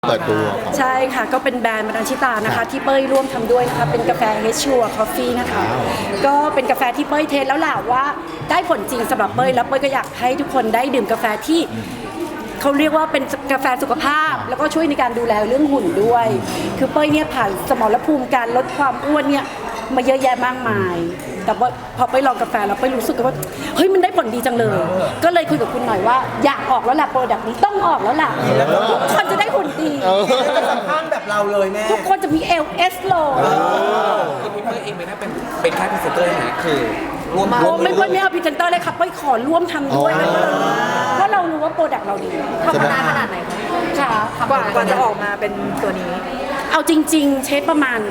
เปิดตัวใช่ค่ะก็เป็นแบรนด์มาดันชิตานะคะที่เป้ยร่วมทำด้วยนะคะเป็นกาแฟเฮชัวคอฟฟี่นะคะก็เป็นกาแฟที่เป้ยเทสแล้วแหละว่าได้ผลจริงสำหรับเป้ยแล้วเป้ยก็อยากให้ทุกคนได้ดื่มกาแฟที่เขาเรียกว่าเป็นกาแฟสุขภาพแล้วก็ช่วยในการดูแลเรื่องหุ่นด้วยคือเป้ยเนี่ยผ่านสมรภูมิการลดความอ้วนเนี่ยมาเยอะแยะมากมายแต่ว่าพอไปลองกาแฟแล้วไปรู้สึกว่าเฮ้ยมันได้ผลดีจังเลยก็เลยคุยกับคุณหน่อยว่าอยากออกแล้วแหละโปรดักต์นี้ต้องออกแล้วล่ะทุกคนจะได้หุ่นดีข้างแบบเราเลยแม่ทุกคนจะมีเอลเอสโลพี่เปิ้ลเองไม่ได้เป็นแค่พรีเซนเตอร์นะคือร่วมไม่เอาพรีเซนเตอร์เลยค่ะไปขอร่วมทำด้วยเพราะเรารู้ว่าโปรดักต์เราดีทำมานานขนาดไหนคะค่ะกว่าจะออกมาเป็นตัวนี้เอาจริงๆเช็คประมาณ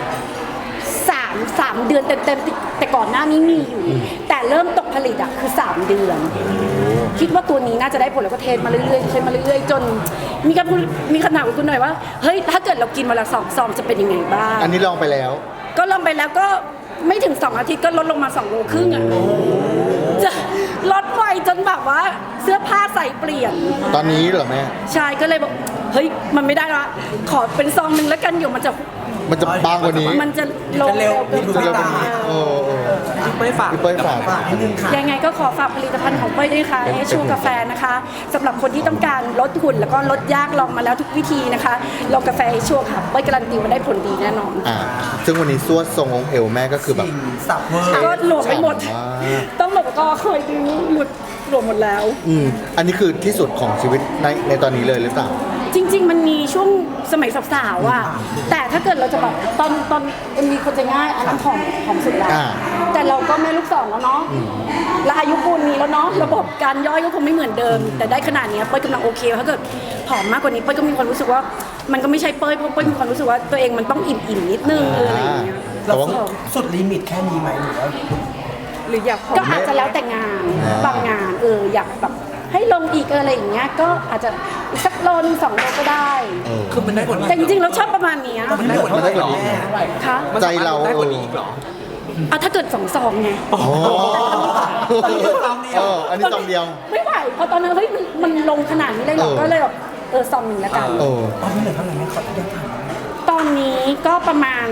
3 เดือนเต็มๆแต่ก่อนหน้านี้มีอยู่แต่เริ่มตกผลิตอ่ะคือ3 เดือนคิดว่าตัวนี้น่าจะได้ผลแล้วก็เทสมาเรื่อยๆเทสมาเรื่อยๆจนมีคำถามกับคุณหน่อยว่าเฮ้ยถ้าเกิดเรากินวันละ2 ซองจะเป็นยังไงบ้างอันนี้ลองไปแล้วก็ลองไปแล้วก็ไม่ถึง2 อาทิตย์ก็ลดลงมา2 โลครึ่งอ่ะจะลดไวจนแบบว่าเสื้อผ้าใส่เปลี่ยนตอนนี้เหรอแม่ใช่ก็เลยบอกเฮ้ยมันไม่ได้ละขอเป็นซองนึงแล้วกันอยู่มันจะบางกว่านี้มันจะลงเร็วเกินไปพี่เปิ้ลฝากนิดนึงค่ะยังไงก็ขอฝากผลิตภัณฑ์ของเป้ยด้วยค่ะให้ชูกาแฟนะคะสำหรับคนที่ต้องการลดหุ่นแล้วก็ลดยากลองมาแล้วทุกวิธีนะคะลองกาแฟให้ชูค่ะเป้ยการันตีว่าได้ผลดีแน่นอนซึ่งวันนี้สวดทรงองค์เอวแม่ก็คือแบบสับเวอร์ก็หลวมไปหมดต้องบอกก็เคยดูหลวมหมดแล้วอันนี้คือที่สุดของชีวิตในตอนนี้เลยหรือเปล่าจริงๆมันมีช่วงสมัยสาวๆอ่ะแต่ถ้าเกิดเราจะแบบตอนมีคนจะง่ายอันนั้นของสุดแล้วแต่เราก็แม่ลูกสองแล้วเนาะและอายุปูนนี้แล้วเนาะระบบการย่อยก็คงไม่เหมือนเดิมแต่ได้ขนาดนี้เป้ยกำลังโอเคถ้าเกิดผอมมากกว่านี้เป้ยก็มีความรู้สึกว่ามันก็ไม่ใช่เป้ยเพราะเป้ยมีความรู้สึกว่าตัวเองมันต้องอิ่มนิดนึงอะไรอย่างเงี้ยเราสุดลิมิตแค่นี้ไหมหรืออยากก็อาจจะแล้วแต่งานบางงานอยากแบบให้ลงอีกอะไรอย่างเงี้ยก็อาจจะอีกสักโลนึง2 โลก็ได้คือมันได้ผลแต่จริงๆเราชอบประมาณนี้มันได้ผลดีค่ะใจเราได้ผลดีหรอถ้าเกิด2 ซองไงอันนี้ซองเดียวไม่ไหวเพราะตอนนั้นเฮ้ยมันลงขนาดนี้เลยหรอก็เลยแบบซองนึงแล้วกันตอนนี้เหลือเท่าไหร่แม่ขอที่ได้ถามตอนนี้ก็ประมาณ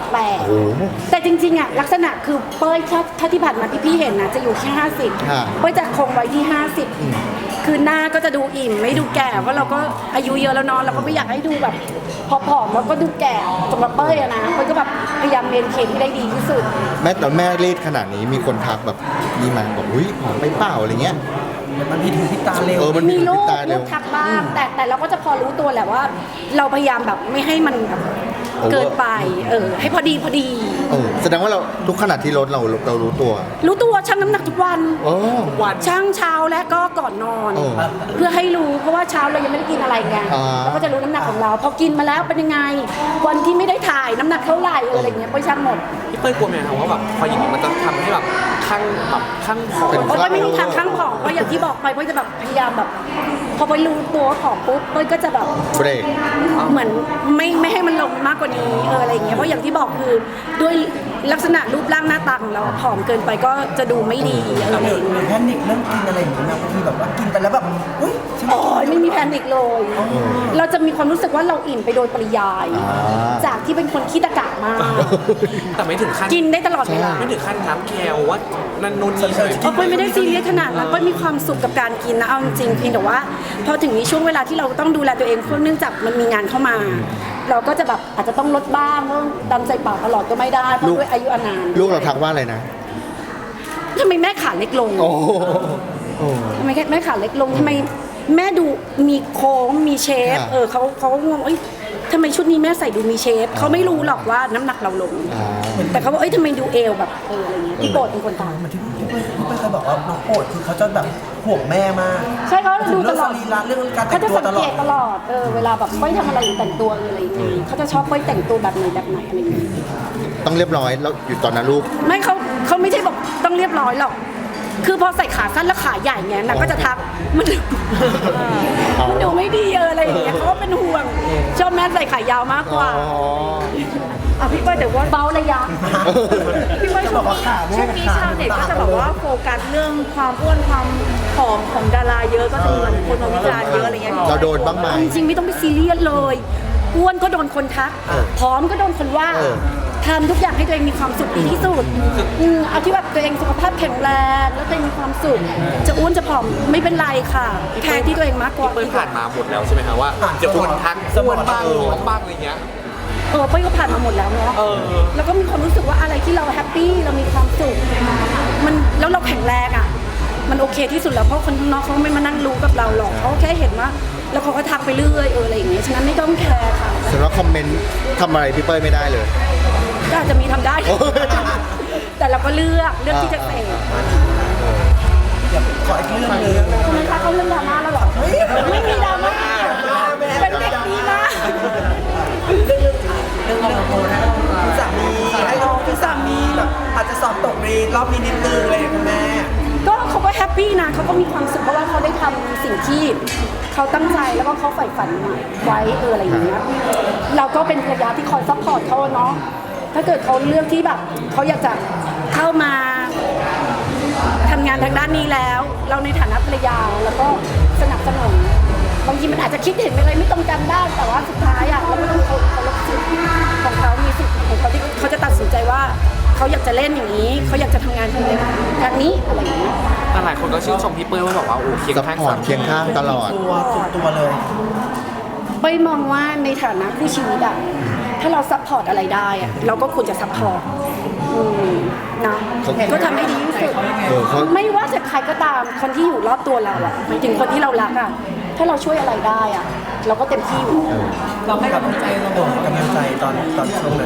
48แต่จริงๆอ่ะลักษณะคือเป้ยถ้าที่ผ่านมาที่พี่เห็นนะจะอยู่แค่50เป้ยจะคงไว้ที่50คือหน้าก็จะดูอิ่มไม่ดูแก่เพราะเราก็อายุเยอะแล้วเนาะเราก็ไม่อยากให้ดูแบบผอมๆแล้วก็ดูแก่สำหรับเป้ยอะนะเป้ยก็แบบพยายามเมนเทนให้ได้ดีที่สุดแม่รีดขนาดนี้มีคนทักแบบมีมาบอกอุ้ยผอมไปเปล่าอะไรเงี้ยมันมีถึงพิตาเร็วมีลูกทักบ้างแต่เราก็จะพอรู้ตัวแหละว่าเราพยายามแบบไม่ให้มันแบบเกินไปให้พอดีแสดงว่าเราทุกขนาดที่ลดเรารู้ตัวชั่งน้ำหนักทุกวันชั่งเช้าและก็ก่อนนอนเพื่อให้รู้เพราะว่าเช้าเรายังไม่ได้กินอะไรไงเราก็จะรู้น้ำหนักของเราพอกินมาแล้วเป็นยังไงวันที่ไม่ได้ถ่ายน้ำหนักเท่าไหร่อะไรเงี้ยไปชั่งหมดพี่เปิ้ลกลัวไหมครับว่าแบบพออย่างนี้มันจะทำให้แบบข้างผอมเพราะไม่มีทางข้างผอมเพราะอย่างที่บอกไปเป้ยจะแบบพยายามแบบพอไปรู้ตัวผอมปุ๊บเป้ยก็จะแบบเบรกเหมือนไม่ให้มันลงมากกว่านี้อะไรอย่างเงี้ยเพราะอย่างที่บอกคือด้วยลักษณะรูปร่างหน้าตาของเราผอมเกินไปก็จะดูไม่ดีอะไรอย่างเงี้ยแพนิคเรื่องกินอะไรอย่างเงี้ยบางทีแบบว่ากินไปแล้วแบบเฮ้ยไม่มีแพนิคเลยเราจะมีความรู้สึกว่าเราอิ่มไปโดยปริยายจากที่เป็นคนขี้ตะกะมากแต่ไม่ถึงขั้นกินได้ตลอดเวลาไม่ถึงขั้นน้ำแคลว่านั่นนู่นนี่เป้ยไม่ได้ซีเรียสขนาดนั้นเป้ยมีความสุขกับการกินนะเอาจริงเพียงแต่ว่าพอถึงนี้ช่วงเวลาที่เราต้องดูแลตัวเองเพราะเนื่องจากมันมีงานเข้ามาเราก็จะแบบอาจจะต้องลดบ้างเพราะดำใส่ปากตลอดก็ไม่ได้เพราะด้วยอายุอานามลูกเราทักว่าอะไรนะทำไมแม่ขาเล็กลงทำไมแม่ขาเล็กลงทำไมแม่ดูมีโค้งมีเชฟเขางงทำไมชุดนี้แม่ใส่ดูมีเชฟเขาไม่รู้หรอกว่าน้ำหนักเราลงแต่เขาบอกทำไมดูเอวแบบอะไรเงี้ยพี่โปรดเป็นคนถามเหมือนที่พี่เคยบอกว่าน้องโปรดคือเขาจะแบบห่วงแม่มากใช่เขาดูตลอดเรื่องการแต่งตัวตลอดตลอดเวลาแบบไม่ทำอะไรอยู่แต่งตัวอะไรอย่างเงี้ยเขาจะชอบไม่แต่งตัวแบบไหนอะไรอย่างเงี้ยต้องเรียบร้อยแล้วอยู่ตอนนั้นลูกไม่เขาไม่ใช่บอกต้องเรียบร้อยหรอกคือพอใส่ขาสั้นแล้วขาใหญ่เงี้ยนางก็จะทักมันดูไม่ดีอะไรอย่างเงี้ยเขาก็เป็นห่วงชอบแม่ใส่ขายาวมากกว่าพี่เป้ยแต่ว่าเบาระยะพี่เป้ยช่วงนี้ชาวเน็ตก็จะบอกว่าโฟกัสเรื่องความอ้วนความผอมของดาราเยอะก็จะมีคนมาวิจารณ์เยอะอะไรเงี้ยเราโดนบ้างไหมจริงๆไม่ต้องไปซีเรียสเลยอ้วนก็โดนคนทักผอมก็โดนคนว่าเออทำทุกอย่างให้ตัวเองมีความสุขดีที่สุดเอาที่แบบตัวเองสุขภาพแข็งแรงแล้วตัวเองมีความสุขจะอ้วนจะผอมไม่เป็นไรค่ะแคร์ที่ตัวเองมากกว่าเปิ้ลผ่านมาหมดแล้วใช่ไหมคะว่าเดี๋ยวคนทักอ้วนบ้างท้องบ้างอะไรเงี้ยเป้ยก็ผ่านมาหมดแล้วเนาะแล้วก็มีความรู้สึกว่าอะไรที่เราแฮปปี้เรามีความสุขมันแล้วเราแข็งแรงอ่ะมันโอเคที่สุดแล้วเพราะคนข้างนอกเขาไม่มานั่งรู้กับเราหรอกเขาแค่เห็นว่าแล้วเขาก็ทักไปเรื่อยอะไรอย่างเงี้ยฉะนั้นไม่ต้องแคร์ค่ะสำหรับคอมเมนต์ทำอะไรพี่เป้ยไม่ได้เลยก็อาจจะมีทำได้โอ้ยแต่เราก็เลือกที่จะเสพขออีกเรื่องหนึงทำไมคะเขาเรื่องดราม่าแล้วเหรอไม่มีดราม่าเป็นเด็กดีมากเรื่องคุณสามีให้คุณสามีแบบอาจจะสอบตกในรอบนี้นิดนึงอะไรอย่างเงี้ยคุณแม่ก็เขาก็แฮปปี้นะเขาก็มีความสุขเพราะว่าเขาได้ทำสิ่งที่เขาตั้งใจแล้วก็เขาใฝ่ฝันไว้อะไรอย่างเงี้ยเราก็เป็นภรรยาที่คอยซัพพอร์ตเขาเนาะถ้าเกิดเขาเลือกที่แบบเขาอยากจะเข้ามาทำงานทางด้านนี้แล้ว เราในฐานะภรรยาแล้วก็สนับสนุนบางทีมันอาจจะคิดเห็นอะไรไม่ตรงกันได้แต่ว่าสุดท้ายอ่ะเราก็ต้องเคารพสิทธิ์ของเขามีสิทธิ์ของเขาที่เขาจะตัดสินใจว่าเขาอยากจะเล่นอย่างนี้เขาอยากจะทำงานทางนี้อะไรอย่างเงี้ยแต่หลายคนก็ชื่นชมพี่เปิ้ลว่าบอกว่าโอ้เคียงซัพข้างพอร์ตเคียงข้างตลอดตัวสุดตัวเลยเป้ยมองว่าในฐานะคู่ชีวิตอะถ้าเราซัพพอร์ตอะไรได้อะเราก็ควรจะซัพพอร์ตนะเขาก็ทำให้ดีที่สุดเขาไม่ว่าจะใครก็ตามคนที่อยู่รอบตัวเราอะหมายถึงคนที่เรารักอะถ้าเราช่วยอะไรได้อะเราก็เต็มที่อยู่เราให้กำลังใจเรากำลังใจตอนช่วงนั้น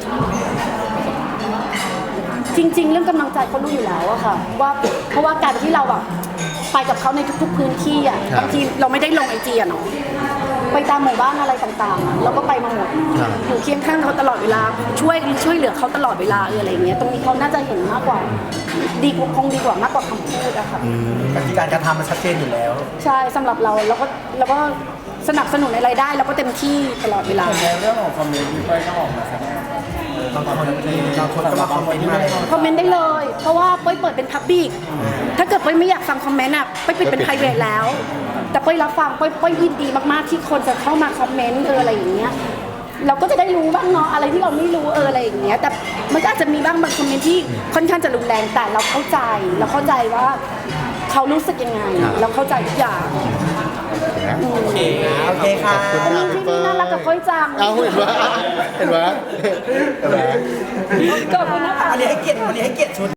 จริง ๆ เรื่องกำลังใจเขารู้อยู่แล้วอะค่ะว่าเพราะว่าการที่เราแบบไปกับเขาในทุกๆพื้นที่อะบางทีเราไม่ได้ลงไอจีอะเนาะไปตามหมู่บ้านอะไรต่างๆอะเราก็ไปมาหมดอยู่เคียงข้างเขาตลอดเวลาช่วยเหลือเขาตลอดเวลาอะไรอย่างเงี้ยตรงนี้เขาน่าจะเห็นมากกว่าดีกว่ามากกว่าคำพูดอะค่ะการกระทำมันชัดเจนอยู่แล้วใช่สำหรับเราก็สนับสนุนอะไรได้เราก็เต็มที่ตลอดเวลาในเรื่องของคอมเมนต์ที่เป้ยก็ออกมาแสดงบางคนก็มาคอมเมนต์มาเลยคอมเมนต์ได้เลย เพราะว่าเป้ยเปิดเป็นพับบิกถ้าเกิดเป้ยไม่อยากฟังคอมเมนต์อ่ะเป้ยปิดเป็นไพรเวทแล้ว แต่เป้ยรับฟังเป้ยยินดีมากๆที่คนจะเข้ามาคอมเมนต์อะไรอย่างเงี้ยเราก็จะได้รู้บ้างเนาะอะไรที่เราไม่รู้อะไรอย่างเงี้ยแต่มันก็อาจจะมีบ้างบางคอมเมนต์ที่ค่อนข้างจะรุนแรงแต่เราเข้าใจว่าเขารู้สึกยังไง เราเข้าใจทุกอย่างโอเคค่ะขอบคุณอันมานี้กที่พี่เปิ้นี่ลน่ารักกับเป้ยจังเอาเห็นไหมเห็นไหมขอบคุณนะคะวันนี้ให้เกียรติชุด